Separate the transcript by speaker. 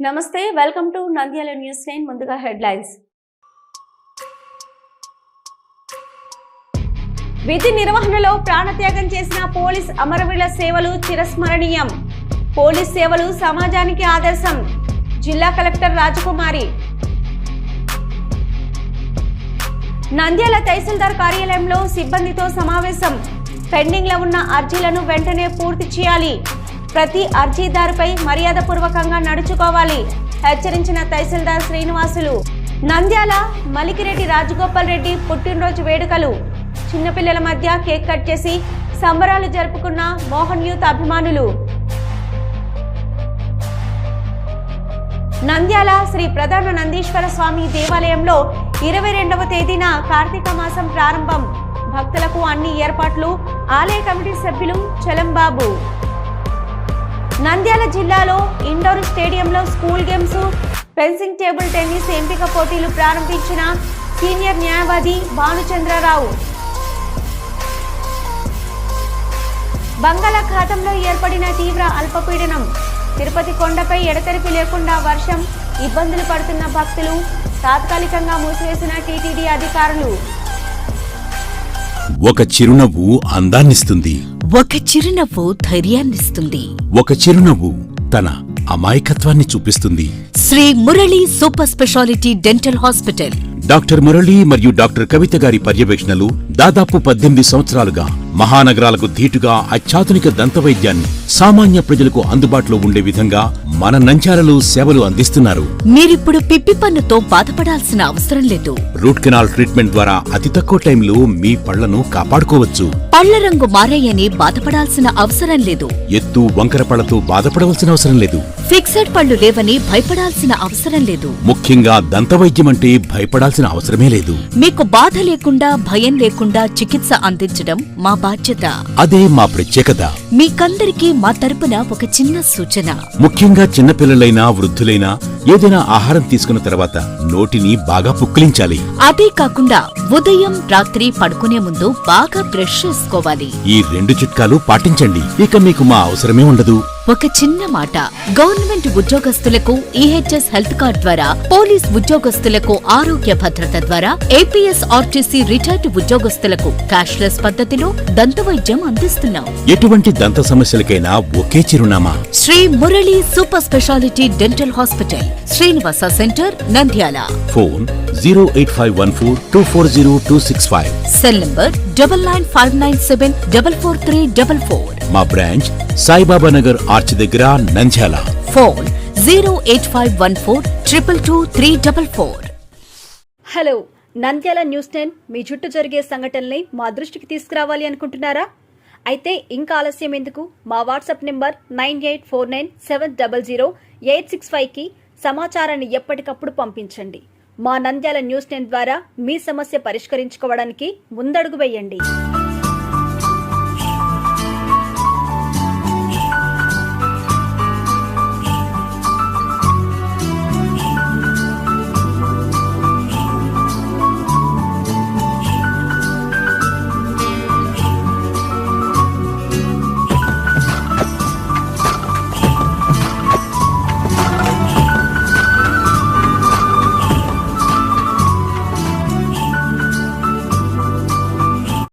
Speaker 1: నమస్తే, welcome to Nandyal news 9. ముందుగా headlines. విధి నిర్వహణలో ప్రాణత్యాగం చేసిన పోలీస్ అమరవీరుల సేవలు చిరస్మరణీయం. పోలీస్ సేవలు సమాజానికి ఆదర్శం. జిల్లా కలెక్టర్ రాజకుమారి. నంద్యాల తహసీల్దార్ కార్యాలయంలో సిబ్బందితో సమావేశం. పెండింగ్ లో ఉన్న అర్జీలను వెంటనే పూర్తి చేయాలి. ప్రతి అర్జీదారుపై మర్యాదపూర్వకంగా నడుచుకోవాలి హెచ్చరించిన తహసీల్దార్ శ్రీనివాసులు. నంద్యాల మలికిరెడ్డి రాజగోపాల్ రెడ్డి పుట్టినరోజు వేడుకలు. చిన్నపిల్లల మధ్య కేక్ కట్ చేసి సంబరాలు జరుపుకున్న మోహన్ యూత్ అభిమానులు. నంద్యాల శ్రీ ప్రధాన నందీశ్వర స్వామి దేవాలయంలో 22వ తేదీన కార్తీక మాసం ప్రారంభం. భక్తులకు అన్ని ఏర్పాట్లు. ఆలయ కమిటీ సభ్యులు చలంబాబు. నంద్యాల జిల్లాలో ఇండోర్ స్టేడియంలో school games, fencing, table tennis ఎంపిక పోటీలు ప్రారంభించిన సీనియర్ న్యాయవాది భానుచంద్రరావు. బంగాళాఖాతంలో ఏర్పడిన తీవ్ర అల్పపీడనం. తిరుపతి కొండపై ఎడతెరిపి లేకుండా వర్షం. ఇబ్బందులు పడుతున్న భక్తులు. తాత్కాలికంగా మూసివేసిన టీటీడీ అధికారులు.
Speaker 2: ఒక చిరునవ్వు అందాన్నిస్తుంది.
Speaker 3: ఒక చిరునవ్వు ధైర్యాన్నిస్తుంది.
Speaker 2: ఒక చిరునవ్వు తన అమాయకత్వాన్ని చూపిస్తుంది.
Speaker 3: Shri Murali super speciality dental hospital.
Speaker 2: Doctor Murali మరియు డాక్టర్ కవిత గారి పర్యవేక్షణలు దాదాపు 18 సంవత్సరాలుగా మహానగరాలకు ధీటుగా అత్యాధునిక దంతవైద్యాన్ని సామాన్య ప్రజలకు అందుబాటులో ఉండే విధంగా మన నంద్యాలలో సేవలు అందిస్తున్నారు.
Speaker 3: మీరిప్పుడు పిప్పి పన్నుతో బాధపడాల్సిన అవసరం లేదు.
Speaker 2: రూట్ కెనాల్ ట్రీట్మెంట్ ద్వారా అతి తక్కువ టైంలో మీ పళ్లను కాపాడుకోవచ్చు.
Speaker 3: పళ్ల రంగు మారాయని బాధపడాల్సిన అవసరం లేదు.
Speaker 2: ఎత్తు వంకర పళ్లతో బాధపడవలసిన అవసరం లేదు.
Speaker 3: ఫిక్సెడ్ పళ్లు లేవని భయపడాల్సిన అవసరం లేదు.
Speaker 2: ముఖ్యంగా దంతవైద్యం అంటే భయపడాల్సిన అవసరమే లేదు.
Speaker 3: మీకు బాధ లేకుండా, భయం లేకుండా చికిత్స అందించడం మా బాధ్యత.
Speaker 2: అదే మా ప్రత్యేకత.
Speaker 3: మీకందరికీ మా తరపున ఒక చిన్న సూచన.
Speaker 2: ముఖ్యంగా చిన్నపిల్లలైనా వృద్ధులైనా ఏదైనా ఆహారం తీసుకున్న తర్వాత నోటిని బాగా పుక్కిలించాలి.
Speaker 3: అదే కాకుండా ఉదయం, రాత్రి పడుకునే ముందు బాగా బ్రష్ చేసుకోవాలి.
Speaker 2: ఈ 2 చిట్కాలు పాటించండి. ఇక మీకు మా అవసరమే ఉండదు.
Speaker 3: ఒక చిన్న మాట. గవర్నమెంట్ ఉద్యోగస్తులకు ఈహెచ్ఎస్ హెల్త్ కార్డ్ ద్వారా, పోలీస్ ఉద్యోగస్తులకు ఆరోగ్య భద్రత ద్వారా, ఏపీఎస్ ఆర్టీసీ రిటైర్డ్ ఉద్యోగస్తులకు క్యాష్లెస్ పద్ధతిలో దంతవైద్యం అందిస్తున్నాం.
Speaker 2: ఎటువంటి దంత సమస్యలకైనా ఒకే చిరునామా.
Speaker 3: Shri Murali super speciality dental hospital, Srinivasa centre, Nandyal.
Speaker 2: Phone 08514240265.
Speaker 3: Cell number 9959744344.
Speaker 2: మా బ్రాంచ్ సాయిబాబా నగర్ ఆర్చ్ దగ్గర, Nandyal.
Speaker 3: Phone 08514222344.
Speaker 4: Hello, Nandyal news 10 మీ చుట్టూ జరిగే సంఘటనల్ని మా దృష్టికి తీసుకురావాలి అనుకుంటున్నారా? అయితే ఇంకా ఆలస్యం ఎందుకు? మా వాట్సాప్ నెంబర్ 9849700865కి సమాచారాన్ని ఎప్పటికప్పుడు పంపించండి. మా నంద్యాల న్యూస్ 10 ద్వారా మీ సమస్య పరిష్కరించుకోవడానికి ముందడుగు వేయండి.